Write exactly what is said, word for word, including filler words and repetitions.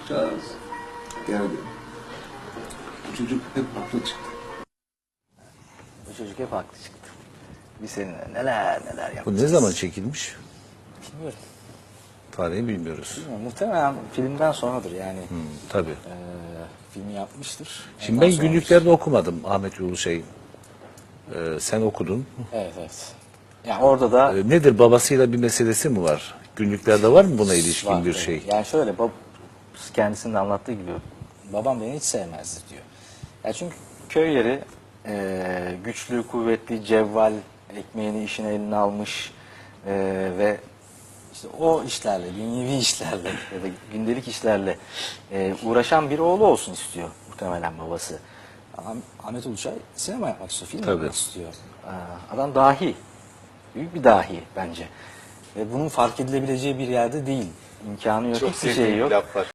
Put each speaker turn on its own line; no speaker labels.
bakacağız. Yani bu çocuk hep haklı çıktı.
Bu çocuk hep haklı çıktı. Biz seninle neler neler
Bu
yapacağız.
ne zaman çekilmiş?
Bilmiyorum.
Tarihi bilmiyoruz.
Bilmiyorum. Muhtemelen filmden sonradır yani.
Hmm, tabii.
Ee, filmi yapmıştır.
Şimdi
Ondan
ben
sonra-
günlüklerde okumadım Ahmet Yolu şeyin. Ee, sen okudun.
Evet evet. Yani orada da
Ee, nedir, babasıyla bir meselesi mi var? Günlüklerde var mı buna ilişkin
var,
bir
evet.
şey?
Yani şöyle bab kendisinin de anlattığı gibi babam beni hiç sevmezdi diyor. Ya çünkü köy yeri e, güçlü, kuvvetli, cevval, ekmeğini işine eline almış e, ve işte o işlerle, dünyevi işlerle ya da gündelik işlerle e, uğraşan bir oğlu olsun istiyor muhtemelen babası. Ama Ahmet Uluçay sinema yapmak istiyor, film
Tabii.
yapmak istiyor. Aa, adam dahi, büyük bir dahi bence. Ve bunun fark edilebileceği bir yerde değil. İmkanı yok,
Çok
hiçbir şey
sevdiğim
yok.
bir laf var.